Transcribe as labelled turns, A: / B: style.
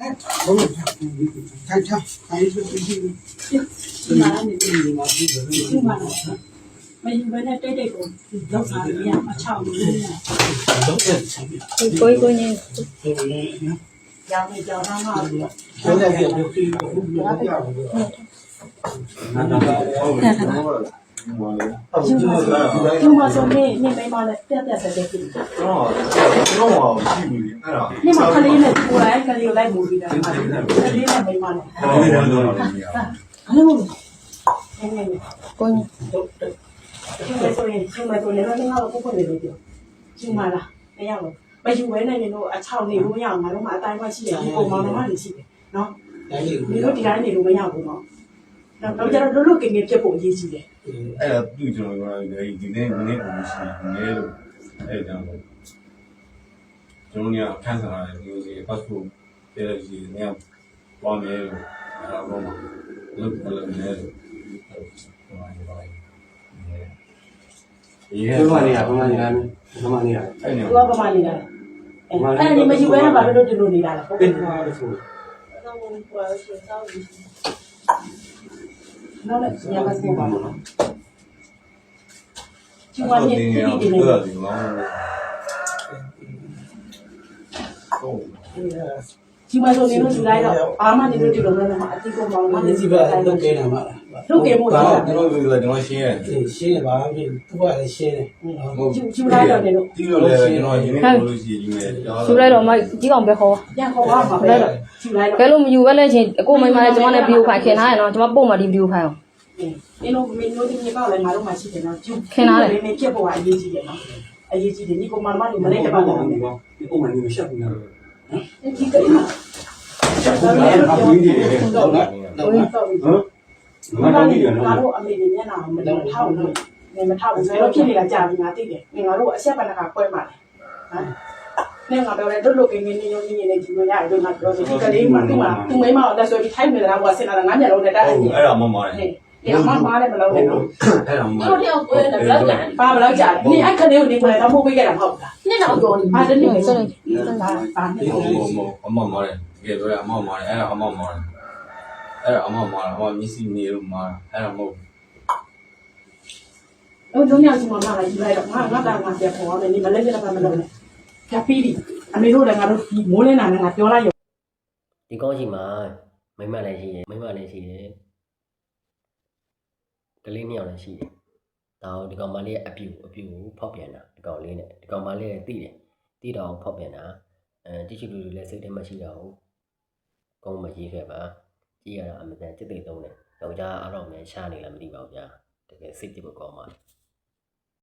A: ไม่อยู่ไว้ในเต้ๆကိုလောက်စားရအချောက်လို့
B: ကိုကြီး
A: ရောင်းနေကြောင်းသားမှာကျမဆိုနေမိမလည်းပြပြဆက်တဲ့ပြည်
C: တော့ရှိဘူးလေအဲ့ဒါ
A: နေမှာခလေးနဲ့ကိုယ်လိုက်ကလေးကိုလိုက်မူပြီးတာခလေးနဲ့မိမလည်းအဲ့လိုနေနေ
B: ကိုကြီး
A: ကျမဆိုရင်ကျမတို့လည်းတော့ငါ့ကိုပုတ်နေလို့ပြောကျမလားမရဘူးမယူဘဲနဲ့နေတော့အချောက်နေလို့မရအောင်ငါတို့မှအတိုင်းမှရှိတယ်ဒီပုံမောင်နှမတွေရှိတယ်နော်ဒီလိုဒီတိုင်းနေလို့မရဘူးနော်တော့ကျတော့လွတ်ကင်းကင်းဖြစ်ဖို့အရေးကြီးတယ်
C: အဲ့ဒါသူ့ကျွန်တော်ကဒီနေ့ပုံရှိနေလို့အဲ့ကြောင့်ကျွန်တော်ကခန်းစားရတယ်ဒီလိုစီ passport တဲ့စီနေပွားမယ်လို့အဲ့ဒါတော့လုပ်နေတယ်ဟိုမှာနေပါ
D: ဘယ်မှာနေတာအဲ့နေ
A: သူကပမာနေတာအဲ့ဒီမယူဘဲနဲ့ဘာလို့ဒီလိုနေတာလဲဟုတ်ကဲ့နော်လည်းညမစင်ပါဘူးနော်ကျမနဲ့ဒီဒီနေ
C: ဟုတ်
A: ကျမဆိုနေလို့ယူလိုက်တော့အာမနေလို့ဒီလိုမျိုးမှာအတိတ်ကမောင်မနေစီပဲ
D: လုပ်ခဲ့တာမှာ
A: လုပ်ခဲ့မို့လား
C: ကျွန်တော်ပြောတယ်ကျွန်တော်ရှင်းရတယ်
D: ရှင်းပါပြီသူကလည်းရှင်းတယ်
A: ယူလိုက်တော့နေလို့
C: ဒီလိုလည်းကျွန်တော်ရင်းနေလို့ရှိရင်ယူမယ်
B: ယူလိုက်တော့မကြီးကောင်ပဲခေါ်
A: ပြန်ခေါ်ပါမှာပဲယူလိုက်တော့
B: ကဲလို့မယူပဲလဲချင်းအကိုမိမလည်းကျွန်မနဲ့ဗီဒီယိုဖိုင်ခင်ထားရနော်ကျွန်မပို့မှာဒီဗီဒီယိုဖိုင်အောင်
A: ဒီလိုမင်းတို့ဒီမြေပေါ့လည်းငါတို့မှရှိတယ်နော်ခင်ထားတယ်မင်းဖြစ်ဖို့ကအရေးကြီးတယ်နော်အရေးကြီးတယ်ဒီကောင်မမတွေမလေးတပါလား
D: ဒီပုံမှန်မျိုးရှက်ဘူးနော်
A: ဒီကိစ္စ
D: ဟုတ်လားဟုတ်
A: ငါတို့အမေတွေမျက်နှာမလုံးထောက်လို့မထောက်ဘူးဆိုတော့ဖြစ်နေတာကြာပြီငါသိတယ်ငါတို့အဆက်ပဏ္ဍကခွဲမှာလေဟမ်ငါပြောတယ်တို့လိုကင်းကင်းနေရုံနေနေကြည့်လို့ရတယ်တို့ငါပြောတယ်ဒီကလေးမှသူ့မိမအောင်လက်ဆွဲပြီးထိုက်နေတာကွာစင်လာငါမျက်လုံးနဲ့တိုက်နေ
C: အဲ့ဒါမှမဟုတ်
A: တယ်ဒီအမမားလည်းမလုံးနဲ့နော်
C: အဲ့ဒါမှမ
A: ဟုတ်တယ်ကိုယ်လည်းဘယ်လောက်ကြာပါဘယ်လောက်ကြာလဲနေအဲ့ကလေးကိုနေကိုလည်းတော့ပို့ပေးခဲ့တာမဟုတ်ဘူးလားနှစ်တော့ကြော်နေပါတယ်နေဆိုတော့ပါနေ
C: ဟုတ်အမမားတယ်တကယ်တော့အမမားတယ်အဲ့ဒါအမမားတယ်အဲ့ဒါအမမားတယ်အမမျက်စိနေလို့မားအဲ့ဒါမဟုတ်
A: လုံးညစီမမလာယူလိုက်တော့ငါတာငါပြန်ခေါ်ရမယ်နေမလဲပြတာမလုပ်နဲ့ဖြတ်ပြီးပြီအမေတို့လည်းငါတို့ဒီမိုးလင်းတာနဲ့ငါပြောလိုက်ရ
E: ဒီကောင်းရှိမှာမိမလည်းရှိတယ်ကလေးနှစ်ယောက်လည်းရှိတယ်ဒါတော့ဒီကောင်မလေးရဲ့အပြူကိုဖောက်ပြန်တာဒီကောင်လေးနဲ့ဒီကောင်မလေးလည်းသိတော့ဖောက်ပြန်တာတိကျလူလည်းစိတ်ထဲမှာရှိတာဟုတ်ကောင်းမရေးခဲ့ပါကြည့်ရတာအမှန်တန်จิตသိသုံးတယ်ယောက်ျားအားတော့လည်းရှားနေလားမသိပါဘူးဗျာတကယ်စိတ်ကြည့်ဖို့ကောင်းပါလေ